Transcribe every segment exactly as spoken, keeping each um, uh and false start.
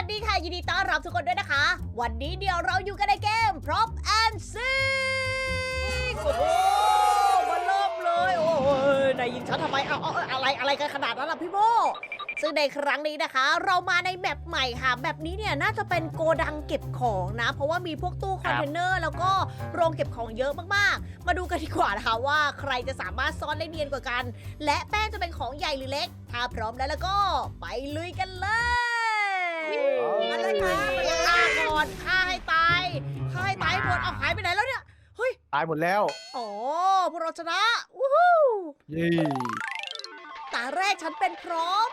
ดีค่ะยินดีต้อนรับทุกคนด้วยนะคะ วันนี้เดี๋ยวเราอยู่กันในเกม Prop and Seek โอ้โหมาเริ่มเลยโอ้ยนายยิงฉันทำไมเอาเอาอะไรอะไรกันขนาดนั้นล่ะพี่โบซึ่งในครั้งนี้นะคะ เรามาในแมปใหม่ค่ะแบบนี้เนี่ยน่าจะเป็นโกดังเก็บของนะ เพราะว่ามีพวกตู้คอนเทนเนอร์แล้วก็โรงเก็บของเยอะมากๆ มาดูกันดีกว่านะคะว่าใครจะสามารถซ่อนได้เนียนกว่ากัน และแป้งจะเป็นของใหญ่หรือเล็ก ถ้าพร้อมแล้วแล้วก็ไปลุยกันเลยมาเลยค่ะฆ่าก่อนฆ่าให้ตายฆ่าให้ตายหมดเอาหายไปไหนแล้วเนี่ยเฮ้ยตายหมดแล้วอ๋อพวกเราชนะวู้ฮู้เย้ตาแรกฉันเป็นพร้อม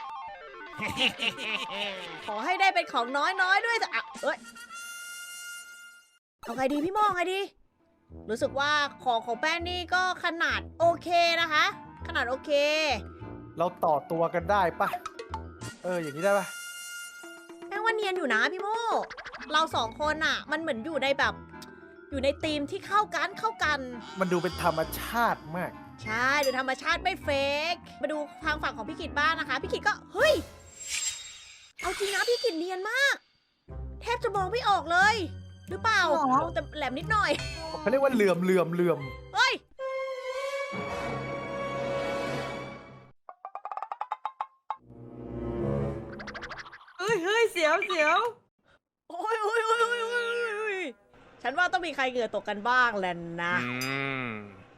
ขอให้ได้เป็นของน้อยๆด้วยแต่อ่ะเอ้ยเอาไงดีพี่โมองไงดี รู้สึกว่าของของแป้งนี่ก็ขนาดโอเคนะคะ ขนาดโอเคเราต่อตัวกันได้ปะเอออย่างนี้ได้ปะแป้งว่าเนียนอยู่นะพี่โมเราสองคนอ่ะ มันเหมือนอยู่ในแบบ อยู่ในธีมที่เข้ากันเข้ากันมันดูเป็นธรรมชาติมากใช่ดูธรรมชาติไม่เฟกมาดูทางฝั่งของพี่กิตบ้างนะคะ พี่กิตก็เฮ้ย เอาจริงนะพี่กิตเนียนมาก แทบจะมองไม่ออกเลย หรือเปล่าแต่แหลมนิดหน่อยเขาเรียกว่าเหลื่อมเหลื่อมเหลื่อมเฮ้ยเฮ้ยเฮ้ยเสียวเสียวโอ้ยโอ้ยโอ้ยโอ้ยโอ้ยโอ้ยฉันว่าต้องมีใครเหงื่อตกกันบ้างแหละนะอืม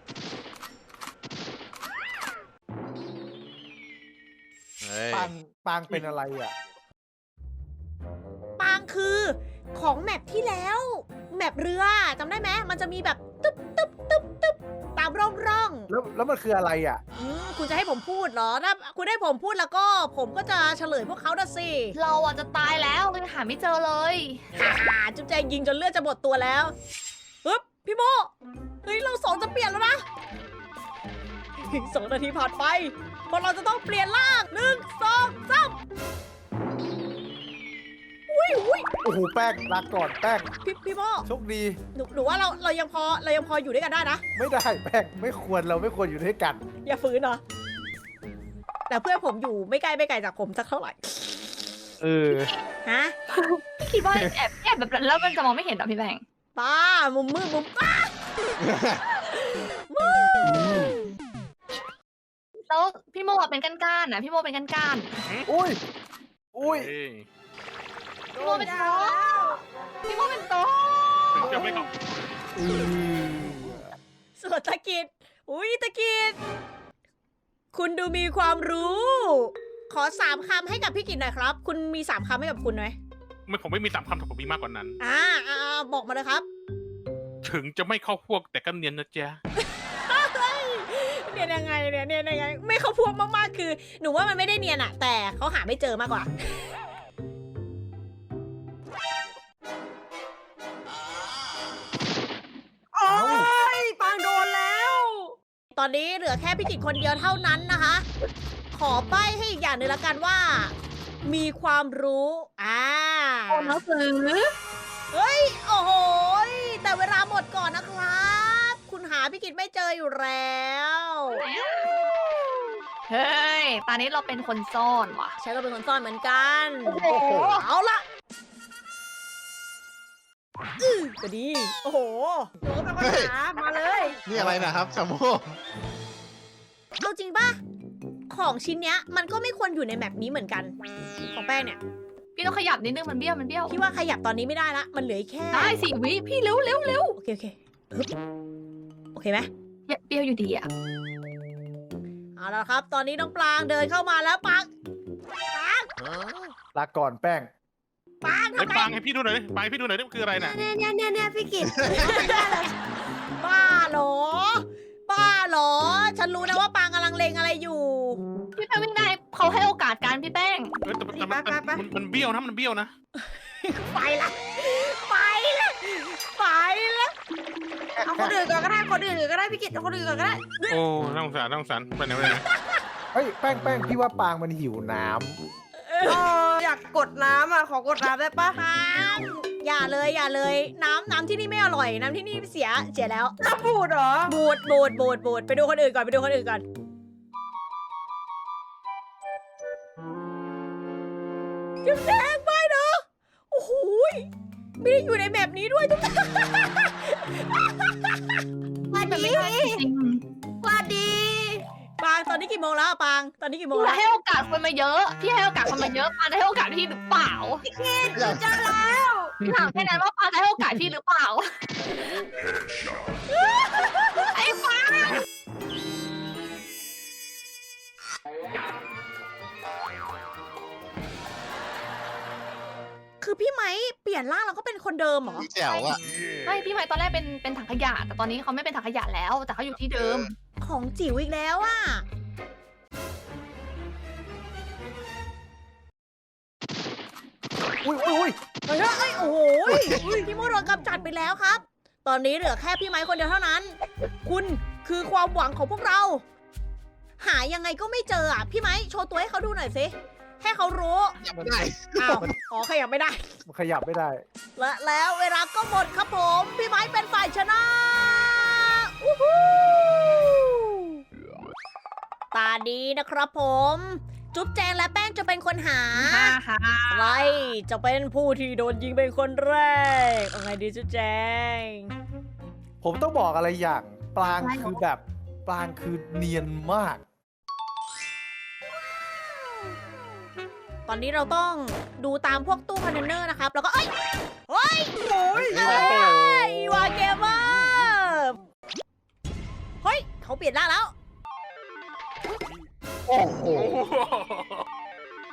เฮ้ยปางปางเป็นอะไรอ่ะปางคือของแมปที่แล้ว แมปเรือจำได้ไหมมันจะมีแบบตึ๊บตึ๊บตึ๊บตึ๊บตามร่องร่องแล้วแล้วมันคืออะไรอ่ะอืมคุณจะให้ผมพูดเหรอถ้าคุณให้ผมพูดแล้วก็ ผมก็จะเฉลยพวกเขาน่ะสิเราอ่ะจะตายแล้วเลยหาไม่เจอเลยฮ่าจุ๊บแจงยิงจนเลือดจะหมดตัวแล้วปึ๊บพี่โมเฮ้ยเราสองจะเปลี่ยนแล้วนะสองนาทีผ่านไปพวกเราจะต้องเปลี่ยนร่างหนึ่งสองสามอุ้ยอุ้ยโอ้โหแป้งลาก่อนแป้งพี่พี่โมโชคดีหนูหนูว่าเราเรายังพอเรายังพออยู่ด้วยกันได้นะไม่ได้แป้งไม่ควรเราไม่ควรอยู่ด้วยกันอย่าฝืนเนาะแต่เพื่อนผมอยู่ไม่ไกลไม่ไกลจากผมสักเท่าไหร่เออฮะคิดว่าแอบแอบแบบนั้นแล้วมันจะมองไม่เห็นเหรอพี่แบงค์ป้ามุมมืดมุมป้าแล้วพี่โมอะเป็นก้านๆนะพี่โมเป็นก้านอุ้ยอุ้ยเฮ้ยๆพี่โมเป็นโต๊ะพี่โมเป็นโต๊ะถึงจะไม่เข้าอือส่วนตะกิดอุ้ยตะกิดคุณดูมีความรู้ ขอสามคำให้กับพี่กิตหน่อยครับ คุณมีสามคำให้กับคุณไหมไม่ผมไม่มีสามคำแต่ผมมีมากกว่านั้นอ่าอ่าบอกมาเลยครับถึงจะไม่เข้าพวกแต่ก็เนียนนะจ๊ะเนียนยังไงเนี่ยเนียนยังไง ไม่เขาพวงมากๆคือ หนูว่ามันไม่ได้เนียนอะแต่เขาหาไม่เจอมากกว่าโอ้ยปางโดนแล้วตอนนี้เหลือแค่พี่กิตคนเดียวเท่านั้นนะคะ ขอใบ้ให้อีกอย่างหนึ่งละกันว่า มีความรู้ อ่าโอ้หนังสือเฮ้ย โอ้โหยแต่เวลาหมดก่อนนะครับ คุณหาพี่กิตไม่เจออยู่แล้วเฮ้ยตอนนี้เราเป็นคนซ่อนว่ะใช้ก็เป็นคนซ่อนเหมือนกันโอ้โหเอาละอื้อก็ดี โอ้โหโดนตะวันหามาเลยนี่อะไรนะครับชาโมเอาจริงป่ะ ของชิ้นเนี้ย มันก็ไม่ควรอยู่ในแมปนี้เหมือนกัน ของแป้งเนี่ยพี่ต้องขยับนิดนึงมันเบี้ยวมันเบี้ยวพี่ว่าขยับตอนนี้ไม่ได้ละ มันเหลืออีกแค่ได้สิวิพี่เร็วเร็วเร็วโอเคโอเคฮึบโอเคไหมเบี้ยวอยู่ดีอ่ะเอาละครับ ตอนนี้น้องปลางเดินเข้ามาแล้วปังปางลาก่อนแป้งปางไอ้ทำไมปางให้พี่ดูหน่อยดิปางให้พี่ดูหน่อยดิมันคืออะไรน่ะเนี่ยเนี่ยเนี่ยเนี่ยพี่กิตบ้าเหรอ บ้าเหรอ ฉันรู้นะว่าปางกำลังเลงอะไรอยู่พี่แป้งวิ่งได้เขาให้โอกาสการพี่แป้งเออแต่แต่มันมันมันมันเบี้ยวนะมันเบี้ยวนะไปละไปละไปละเอาคนอื่นก่อนก็ได้คนอื่นก็ได้พี่กิตเอาคนอื่นก่อนก็ได้โอ้น่าสงสารน่าสงสารไปไหนไปไหนเฮ้ยแป้งแป้งพี่ว่าปางมันหิวน้เอออยากกดน้ำอ่ะขอกดน้ำได้ปะปางอย่าเลยอย่าเลย น้ำน้ำที่นี่ไม่อร่อย น้ำที่นี่เสียเสียแล้วน้ำบูดเหรอบูดบูดบูดบูดไปดูคนอื่นก่อนไปดูคนอื่นก่อนจุ๊บแดงไปเนาะไม่ได้อยู่ในแมปนี้ด้วยทุกคนสวัสเป็นดีไม่ได้จริงสวัสดีปางตอนนี้กี่โมงแล้วอะปางตอนนี้กี่โมงพี่แล้วให้โอกาสคนมาเยอะ พี่ให้โอกาสคนมาเยอะปาได้ให้โอกาสพี่หรือเปล่าหนูเจอแล้วพี่ถามแค่นั้นว่าปาได้ให้โอกาสพี่หรือเปล่า ไอ้ปาคือพี่ไม้เปลี่ยนร่างแล้วก็เป็นคนเดิมเหรอแจ๋วอ่ะไม่พี่ไม้ตอนแรกเป็นเป็นถังขยะ แต่ตอนนี้เขาไม่เป็นถังขยะแล้ว แต่เขาอยู่ที่เดิมของจิ๋วอีกแล้วอะอุ้ยอุ้ยอุ้ยเฮ้ยเอ้ยโอ้โหพี่โมโดนกำจัดไปแล้วครับ ตอนนี้เหลือแค่พี่ไม้คนเดียวเท่านั้น คุณคือความหวังของพวกเรา หายังไงก็ไม่เจออ่ะพี่ไม้โชว์ตัวให้เขาดูหน่อยสิให้เขารู้ยังไม่ได้อ้าวอ๋อขยับไม่ได้มันขยับไม่ได้และแล้วเวลาก็หมดครับผม พี่ไม้เป็นฝ่ายชนะอู้หูตาดีนะครับผม จุ๊บแจงและแป้งจะเป็นคนหาฮ่าฮ่าใครจะเป็นผู้ที่โดนยิงเป็นคนแรกเอาไงดีจุ๊บแจงผมต้องบอกอะไรอย่างปลางคือแบบปลางคือเนียนมากตอนนี้เราต้องดูตามพวกตู้คอนเทนเนอร์นะครับ แล้วก็ เอ้ย เฮ้ยโอ้ยเอ้เอ้ยยวาเกมเมอร์เฮ้ย เขาเปลี่ยนร่างแล้วโอ้โหโอ้โห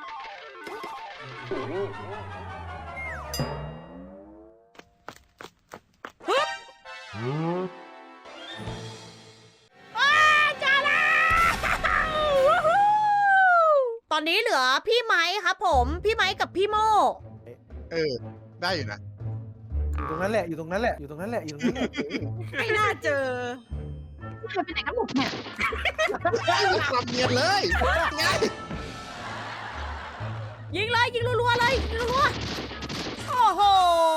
อ้าจ้าแล้ววู้ฮู้ตอนนี้เหลือพี่ไม้ครับผม พี่ไม้กับพี่โมเออ ได้อยู่นะอยู่ตรงนั้นแหละ อยู่ตรงนั้นแหละ อยู่ตรงนั้นแหละ อยู่ตรงนั้นแหละไม่น่าเจอใครเป็นไหนกันหมดเนี่ยความเนียนเลยไงยิงเลยยิงรัวๆเลยยิงรัวๆโอ้โห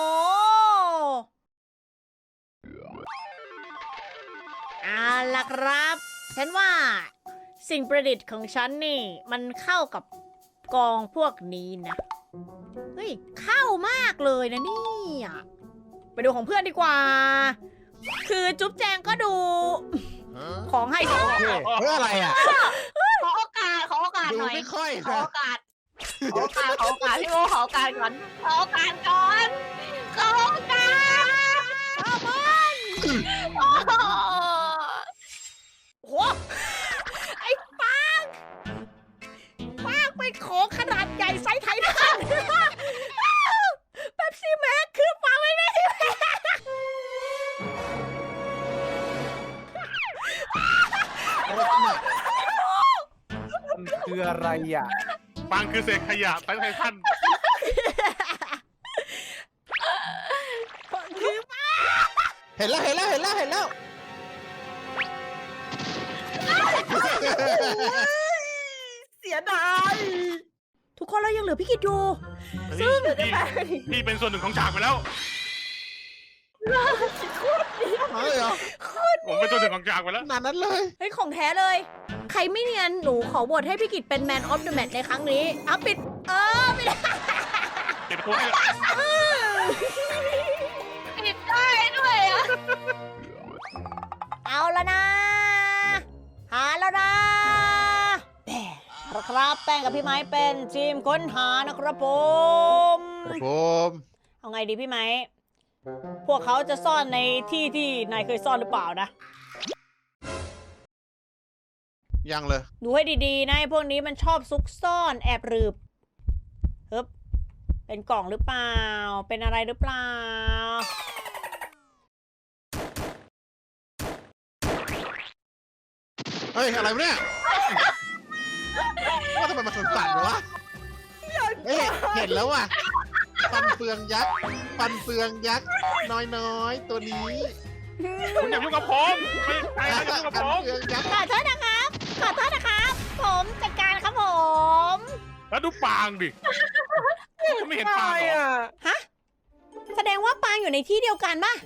เอาล่ะครับ ฉันว่าสิ่งประดิษฐ์ของฉันนี่ มันเข้ากับกองพวกนี้นะ เฮ้ย เข้ามากเลยนะเนี่ยไปดูของเพื่อนดีกว่า คือจุ๊บแจงก็ดู ของให้โอเคเพื่ออะไรอ่ะขอโอกาส ขอโอกาสดูหน่อยไม่ค่อยขอนะโอกาส ขอโอกาส ขอโอกาสพี่โมขอโอกาสก่อน ขอโอกาสก่อน ขอโอกาสข้าวบอนโอ้โหโอ้โห ไอ้ปางปางเป็นของขนาดใหญ่ไซส์ไททันเป๊ปซี่แม็กคือปางไม่ได้ที่แม็กมันคืออะไรอ่ะปางคือเศษขยะไทไททันคือเห็นแล้ว เห็นแล้ว เห็นแล้ว เห็นแล้วเสียดายทุกคนเรายังเหลือพี่กิตอยู่ซึ่งพี่พี่เป็นส่วนหนึ่งของฉากไปแล้วเอาเลยเหรอผมเป็นส่วนหนึ่งของฉากไปแล้วขนาดนั้นเลยเฮ้ยของแท้เลย ใครไม่เนียนหนูขอโหวตให้พี่กิตเป็น Man of the Match ในครั้งนี้อ่ะปิด เออไม่ได้เก็บตัวให้ปิดได้ด้วยอะเอาแล้วนะ หาแล้วนะแหม่เอาละครับแป้งกับพี่ไม้เป็นทีมค้นหานะครับผมผมเอาไงดีพี่ไม้ พวกเขาจะซ่อนในที่ที่นายเคยซ่อนหรือเปล่านะยังเลยดูให้ดีๆนะไอ้พวกนี้มันชอบซุกซ่อนแอบรืบฮึบเป็นกล่องหรือเปล่า เป็นอะไรหรือเปล่าเฮ้ย อะไรวะเนี่ยว่าทำไมมันสั่นๆวะเฮ้ยเห็นแล้วว่ะ ฟันเฟืองยักษ์ ฟันเฟืองยักษ์ น้อยๆ ตัวนี้คุณอย่ายุ่งกับผมไม่ใครอย่ายุ่งกับฟันผมเฟืองยักษ์ขอโทษนะครับ ขอโทษนะครับ ผมจัดการครับผมแล้วดูปางดิก็ไม่เห็นปางเหรออ่ะฮะ แสดงว่าปางอยู่ในที่เดียวกันป่ะ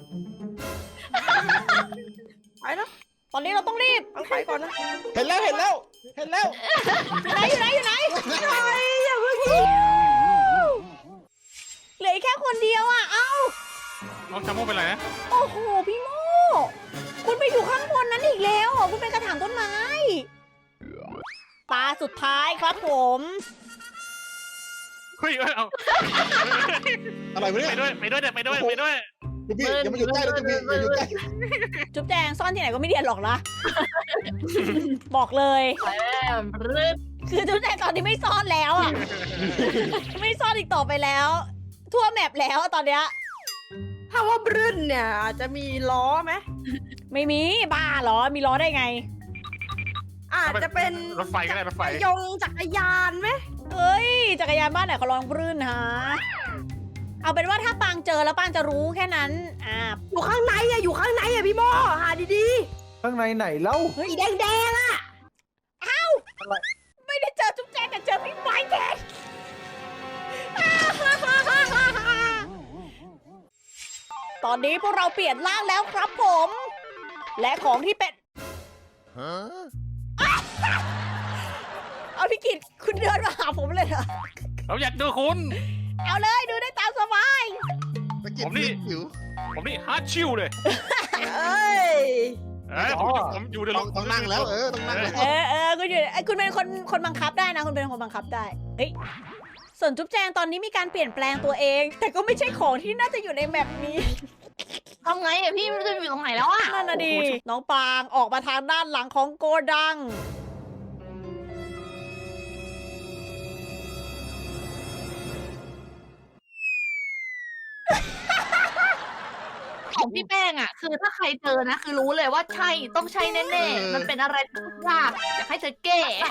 ไปแล้วตอนนี้เราต้องรีบเอาไปก่อนนะเห็นแล้ว เห็นแล้ว เห็นแล้วอยู่ไหนอยู่ไหนอยู่ไหนอย่าเพิ่งเหลืออีกแค่คนคนเดียวอ่ะ เอ้าน้องชาโมเป็นไรนะโอ้โห พี่โมคุณไปอยู่ข้างบนนั้นอีกแล้วเหรอคุณเป็นกระถางต้นไม้ ตาสุดท้ายครับผมเฮ้ยเอ้ยเอาอะไรวะเนี่ยไปด้วยไปด้วยเดี๋ยวไปด้วยไปด้วยจุ๊บบี้อย่ามาอยู่ใกล้เลยจุ๊บบี้อย่าอยู่ใกล้จุ๊บแจงซ่อนที่ไหนก็ไม่เดียนหรอกนะ บอกเลยแม่รึดคือจุ๊บแจงตอนนี้ไม่ซ่อนแล้วอ่ะ ไม่ซ่อนอีกต่อไปแล้ว ทั่วแมปแล้วอะตอนเนี้ยถ้าว่าบรื่นเนี่ยอาจจะมีล้อไหมไม่มีบ้าเหรอ มีล้อได้ไงอาจจะเป็นรถไฟก็ได้รถไฟยงจักรยานไหมเอ้ย จักรยานบ้านไหนเขาลองปรื่นฮะ เอาเป็นว่าถ้าปางเจอแล้วปางจะรู้แค่นั้น อ่าอยู่ข้างในอะอยู่ข้างในอะพี่โมหาดีข้างในไหนเล่าๆสีแดงๆอะไม่ได้เจอจุ๊บแจงแต่เจอพี่ไม้แทน ตอนนี้พวกเราเปลี่ยนร่างแล้วครับผม และของที่เป็นฮะเอาพี่กิตคุณเดินมาหาผมเลยเหรอเราอยากดูคุณเอาเลยดูได้ตามสบายตะกิดผมนี่หิวผมนี่ฮาร์ดชิลเลยเอ้ยเอ้ยผมอยู่ผมอยู่ในต้องต้องนั่งแล้วเออต้องนั่งแล้วเออเออคุณอยู่เอ้ยคุณเป็นคนคนบังคับได้นะ คุณเป็นคนบังคับได้เฮ้ยส่วนจุ๊บแจงตอนนี้มีการเปลี่ยนแปลงตัวเอง แต่ก็ไม่ใช่ของที่น่าจะอยู่ในแมปนี้ทำไงอะพี่มันจะอยู่ตรงไหนแล้วอะนั่นน่ะดีน้องปางออกมาทางด้านหลังของโกดังของพี่แป้งอะคือถ้าใครเจอนะ คือรู้เลยว่าใช่ต้องใช่แน่ๆมันเป็นอะไรที่ยากอยากให้เธอแก้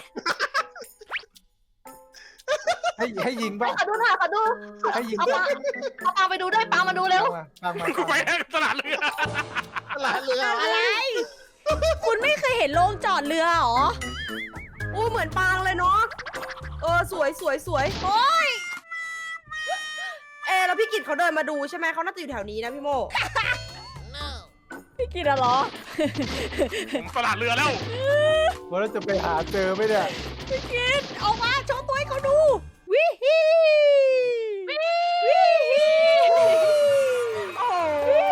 ให้ให้ยิงป่ะขอดูหน่อยขอดูให้ยิงเอาป่ะปาเอาปาไปดูด้วยปามาดูเร็วตามมากูตามไปมาตลาดเรือตลาดเรืออะไร คุณไม่เคยเห็นโรงจอดเรือเหรออู้เหมือนปางเลยเนาะเออสวยสวยสวยโอ้ยเอแล้วพี่กิตเขาเดินมาดูใช่ไหมเขาน่าจะอยู่แถวนี้นะพี่โมพี่กินอะเหรอผมตลาดเรือแล้วว่าเราจะไปหาเจอไหมเนี่ยพี่กินออกมาโชว์ตัวให้เขาดู วิฮีวิฮีโอ้โห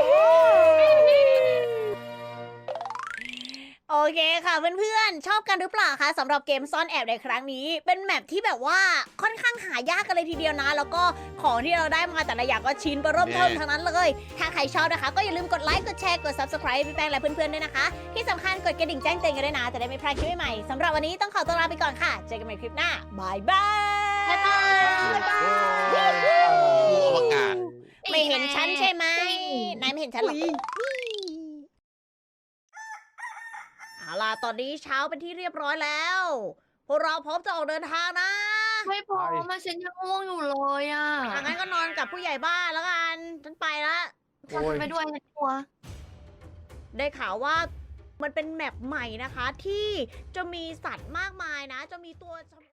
โอเคค่ะเพื่อนๆ ชอบกันหรือเปล่าคะสำหรับเกมซ่อนแอบในครั้งนี้ เป็นแมปที่แบบว่าค่อนข้างหายากกันเลยทีเดียวนะ แล้วก็ของที่เราได้มาแต่ละอย่างก็ชิ้นเบอร์เริ่มเทิมทั้งนั้นเลย ถ้าใครชอบนะคะ ก็อย่าลืมกดไลค์กดแชร์กด subscribe พี่แป้งและเพื่อนๆด้วยนะคะ ที่สำคัญกดกระดิ่งแจ้งเตือนกันด้วยนะจะได้ไม่พลาดคลิปใหม่ๆสำหรับวันนี้ต้องขอตัวลาไปก่อนค่ะเจอกันใหม่คลิปหน้าบายบายบ๊ายบายบ๊ายบายงูอวกาศไม่เห็นฉันใช่ไหมนายไม่เห็นฉันหรอก เอาล่ะตอนนี้เช้าเป็นที่เรียบร้อยแล้ว พวกเราพร้อมจะออกเดินทางนะไม่พอมาฉันยังง่วงอยู่เลยอะอ่ะงั้นก็นอนกับผู้ใหญ่บ้านแล้วกัน ฉันไปละฉันไปด้วยนะกลัวได้ข่าวว่ามันเป็นแมปใหม่นะคะ ที่จะมีสัตว์มากมายนะ จะมีตัว